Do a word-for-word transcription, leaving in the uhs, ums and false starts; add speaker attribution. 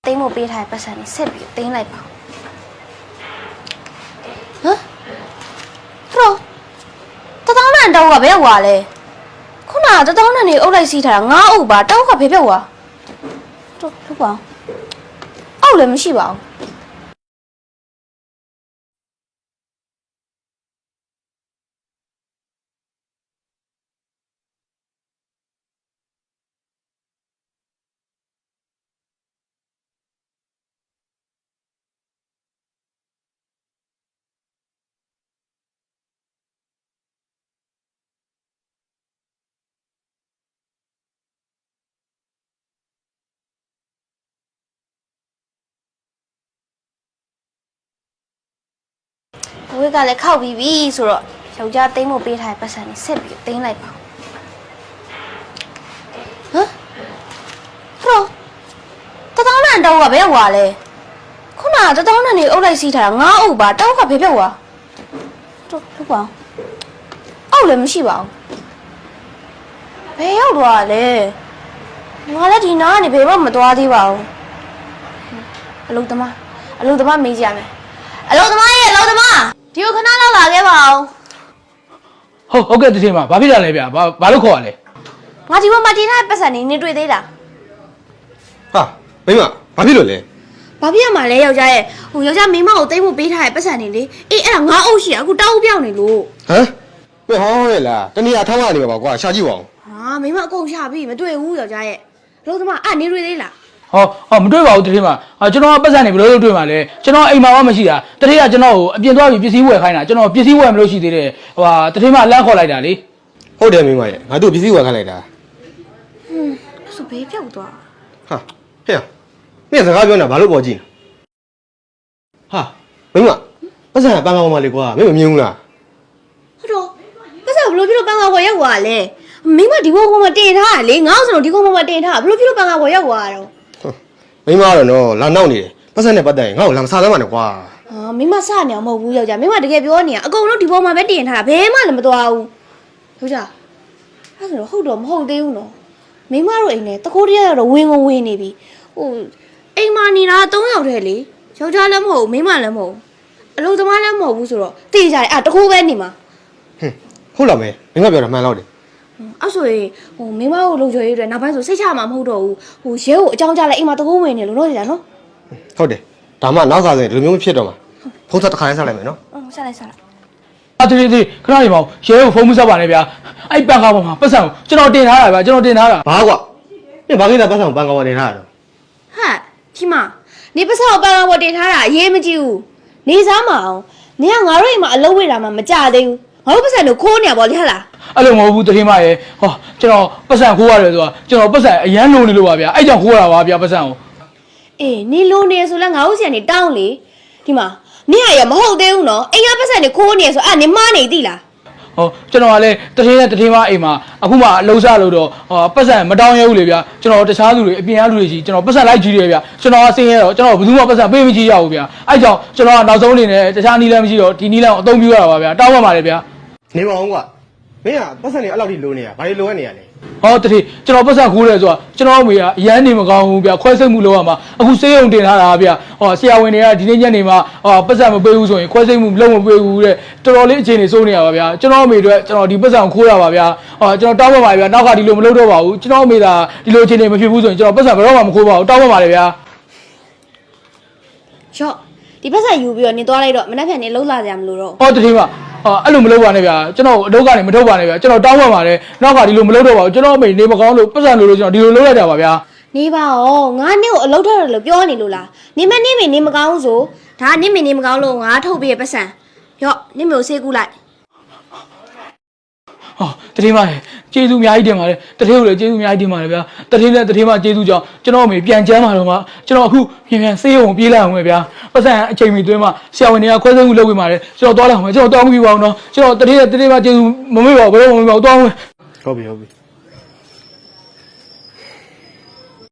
Speaker 1: သိမ်းဖို့ပေးထားတဲ့ပတ်စံနဲ့ဆက်ပြီးသိမ်းလိုက်ပါဟမ်တော့တတောင်းနဲ့တောင်းကဘယ်ဟွာလဲခုနကတတောင်းနဲ့နေအုပ်လိုက်စီးထားတာငါးအုပ်ပါတောင်းကဖေးပြောက်ဟွာတော့လို့ပါအောက်လည်းမရှိပါဘူးဝေးကလည်းခောက်ပြီးပြီဆိုတော့ယောက်ျားသိမ်းဖို့ပေးထားတဲ့ပတ်စံနဲ့ဆက်ပြီးသိမ်းလိုက်ပါဟမ်တော့တတောင်းနဲ့တောင်းကဘယ်ဟွာလဲခုနကတတောင်းနဲ့နေအုပ်လိုက်စီးထားတာငါးအုပ်ပါတောင်းကဖေးပြောက်ဟွာတော့လို့ပါအောက်လည်းမရှိပါဘူးဘယ်ရောက်သွားလဲငါလည်းဒီနားကနေဘယ်မှမသွားသေးပါဘူးအလုံးသမားအလုံးသမားမေးကြရမယ်အလုံးသမားရဲ့အလုံးသမားဒီကိုခဏလောက်လာခဲ့ပါဦး
Speaker 2: ဟုတ်ဟုတ်ကဲ့တည်းမှာဘာဖြစ်တာလဲဗျာဘာဘာလို့ခေါ်ရလဲ
Speaker 1: ငါဒီဘက်မှာတင်ထားတဲ့ပတ်စံနေနေတွေ့သေးလား
Speaker 3: ဟာမိမဘာဖြစ်လို့လဲ
Speaker 1: ဘာဖြစ်ရမှာလဲယောက်ျားရဲ့ဟိုယောက်ျားမိမကိုတိတ်ဖို့ပေးထားတဲ့ပတ်စံနေလေအေးအဲ့ဒါငါအုပ်ရှိရအခုတောက်ပြောင်းနေလို့
Speaker 3: ဟမ်မင်းဟောရဲလားတနည်းအားထောင်းရနေပါကွာရှာကြည့်ပါဦး
Speaker 1: ဟာမိမအကုန်ရှာပြီမတွေ့ဘူးယောက်ျားရဲ့အလုံးသမားအဲ့နေတွေ့သေးလား
Speaker 2: ဟောဟောမတွေ့ပါဘူးတည်းမှာကျွန်တော်ကပတ်စံနေဘယ်လိုလုပ်တွေ့မှာလဲကျွန်တော်အိမ်မှာမှမရှိတာတည်းကကျွန်တော်ကိုအပြင်သွားပြီးပစ္စည်းဝယ်ခိုင်းတာကျွန်တော်ပစ္စည်းဝယ်မလို့ရှိသေးတယ်ဟိုဟာတည်းမှာလမ်းခေါ်လိုက်တာလေ
Speaker 3: ဟုတ်တယ်မိမရဲ့ငါတို့ပစ္စည်းဝယ်ခိုင်းလိုက်တာ
Speaker 1: ဟွန်းအဲ့ဆိုဘေးပြောက်သွား
Speaker 3: ဟာဟဲ့မင်းစကားပြောနေတာဘာလို့ပေါ်ကြည့်ဟာမိမပတ်စံပန်းကောင်းပါလေကွာမင်းမမြင်ဘူးလား
Speaker 1: ဟုတ်တော့ပတ်စံဘလို့ဖြစ်လို့ပန်းကောင်းပေါ်ရောက်သွားလဲမိမဒီဘုံဘုံမှာတင်ထားတာလေငါ့ဆိုတော့ဒီဘုံဘုံမှာတင်ထားဘလို့ဖြစ်လို့ပန်းကောင်းပေါ်ရောက်သွားတော့
Speaker 3: မိမကတော့နော်လာနောက်နေတယ်ပတ်စံနဲ့ပတ်သက်ရင်ငါ့ကိုလာမစားသမ်းပါနဲ့ကွာ
Speaker 1: ဟာမိမစနေအောင်မဟုတ်ဘူးယောက်ျားမိမတကယ်ပြောနေရအကုန်လုံးဒီဘုံမှာပဲတင်ထားတာဘယ်မှလည်းမသွားဘူးယောက်ျားအဲ့ဆိုတော့ဟုတ်တော့မဟုတ်သေးဘူးနော်မိမတို့အိမ်နဲ့တခိုးတရတော့ဝင်းကိုဝင်းနေပြီဟိုအိမ်မှာနေတာသုံးယောက်တည်းလေယောက်ျားလည်းမဟုတ်မိမလည်းမဟုတ်အလုံးသမားလည်းမဟုတ်ဘူးဆိုတော့တေးကြတယ်အာတခိုးပဲနေမှာ
Speaker 3: ဟွန်းဟုတ်လားမဲမိမပြောတာမှန်တော့တယ်
Speaker 1: အဲ့ဆိုရင်ဟိုမိမကိုလုံချွေရေးတွေနောက်ပိုင်းဆိုစိတ်ချမှာမဟုတ်တော့ဘူးဟိုရဲကိုအကြောင်းကြားလိုက်အိမ်မှာတခိုးဝင်နေလို့တော့ကြာနော်
Speaker 3: ဟုတ်တယ်ဒါမှနောက်စားဆိုရင်ဒီလိုမျိုးမဖြစ်တော့မှာဖုန်းဆက်တစ်ခါလေးဆက်လိုက်မယ်နော်
Speaker 1: ဟုတ်ဆက်လိုက်ဆက်လိုက်
Speaker 2: အတေးတေးခဏနေပါဦးရဲကိုဖုန်းမဆက်ပါနဲ့ဗျာအဲ့ပန်ကားပေါ်မှာပတ်စံကိုကျွန်တော်တင်ထားတာဗျာကျွန်တော်တင်ထားတာ
Speaker 3: ဘာကွာမင်းဘာကိစ္စပတ်စံကိုပန်ကားပေါ်တင်ထားတာတော့
Speaker 1: ဟာဒီမှာနေပတ်စံကိုပန်ကားပေါ်တင်ထားတာအရေးမကြီးဘူးနေစားမအောင်နေကငါတို့အိမ်မှာအလုပ်ဝေးတာမှမကြသေးဘူးငါတို့ပတ်စံတို့ခိုးနေရပါလေဟလား
Speaker 2: အဲ့လိုမဟုတ်ဘူးတတိမရဲ့ဟောကျွန်တော်ပတ်စံခိုးရတယ်ဆိုတာကျွန်တော်ပတ်စံအရန်လုံးနေလို့ပါဗျာအဲ့ကြောင့်ခိုးရတာပါဗျာပတ်စံကို
Speaker 1: အေးနေလုံးနေဆိုလဲငါတို့ဆီကနေတောင်းလေဒီမှာနေရရမဟုတ်သေးဘူးနော်အိမ်ကပတ်စံတွေခိုးနေဆိုအဲ့နေမနေသိလား
Speaker 2: ဟောကျွန်တော်ကလည်းတတိနဲ့တတိမအိမ်မှာအခုမှအလုံးစားလို့တော့ဟောပတ်စံမတောင်းရဘူးလေဗျာကျွန်တော်တခြားသူတွေအပြင်အလူတွေရှိကျွန်တော်ပတ်စံလိုက်ကြည့်တယ်ဗျာကျွန်တော်ကစင်းရတော့ကျွန်တော်ဘယ်သူမှပတ်စံပေးမကြည့်ရဘူးဗျာအဲ့ကြောင့်ကျွန်တော်ကနောက်ဆုံးအနေနဲ့တခြားနီးလမ်းမရှိတော့ဒီနီးလမ်းကိုအသုံးပြုရတာပါဗျာတောင်းပါပါလေဗျာ
Speaker 3: နေပါအောင်ကွာမင်းကပတ်စံနေအဲ့လောက်ထိလိုနေရဘာတွေလိုရနေရလဲ
Speaker 2: ဟောတတိကျွန်တော်ပတ်စံခိုးတယ်ဆိုတာကျွန်တော်အမေကအရန်နေမကောင်းဘူးဗျာခွဲစိတ်မှုလုပ်ရမှာအခုစေးရုံတင်ထားတာဗျာဟောဆရာဝန်တွေကဒီနေ့ညနေမှာဟောပတ်စံမပေးဘူးဆိုရင်ခွဲစိတ်မှုလုံးမပေးဘူးတဲ့တော်တော်လေးအခြေအနေစိုးနေရပါဗျာကျွန်တော်အမေတို့ကျွန်တော်ဒီပတ်စံခိုးရပါဗျာဟောကျွန်တော်တောင်းပါပါဗျာနောက်ကဒီလိုမလုပ်တော့ပါဘူးကျွန်တော်အမေကဒီလိုအခြေအနေမဖြစ်ဘူးဆိုရင်ကျွန်တော်ပတ်စံဘယ်တော့မှမခိုးပါဘူးတောင်းပါပါလေဗျာ
Speaker 1: ရော့ဒီပတ်စံယူပြီးတော့နေသွားလိုက်တော့မနေ့ကနေလှုပ်လာကြမလို့တော့
Speaker 2: ဟောတတိမအော်အဲ့လိုမလုပ်ပါနဲ့ဗျာကျွန်တော်အလုပ်ကနေမထုတ်ပါနဲ့ဗျာကျွန်တော်တောင်းပန်ပါတယ်နောက်ကဒီလိုမလုပ်တော့ပါဘူးကျွန်တော်အမေနေမကောင်းလို့ပတ်စံလို့လို့ကျွန်တော်ဒီလိုလုပ်လိုက်တာပါဗျာ
Speaker 1: နေပါဦးငါနေ့ကိုအလုပ်ထွက်တယ်လို့ပြောနေလို့လားနေမနေမနေမကောင်းဆိုဒါနေမနေမကောင်းလို့ငါထုတ်ပြီးပတ်စံရော့နေမျိုးဆေးကူးလိုက်
Speaker 2: ဟောတတိမရေကျေးဇူးအများကြီးတင်ပါတယ်တတိကိုလည်းကျေးဇူးအများကြီးတင်ပါတယ်ဗျာတတိနဲ့တတိမကျေးဇူးကြောင့်ကျွန်တော်အမေပြန်ချမ်းပါတော့မှကျွန်တော်အခုပြန်ပြန်ဆေးရုံပြေးလိုက်အောင်ပဲဗျာပတ်စံအချိန်မီတွင်းမှာဆရာဝန်တွေကခွဲစိတ်မှုလုပ်ပေးပါတယ်ကျွန်တော်သွားလိုက်အောင်ပဲကျွန်တော်တောင်းပြီးပါအောင်နော်ကျွန်တော်တတိနဲ့တတိမကျေးဇူးမမေ့ပါဘူးဘယ်တော့မှမမေ့ပါဘူးတောင်းမယ်
Speaker 3: ဟုတ်ပြီဟုတ်ပြီ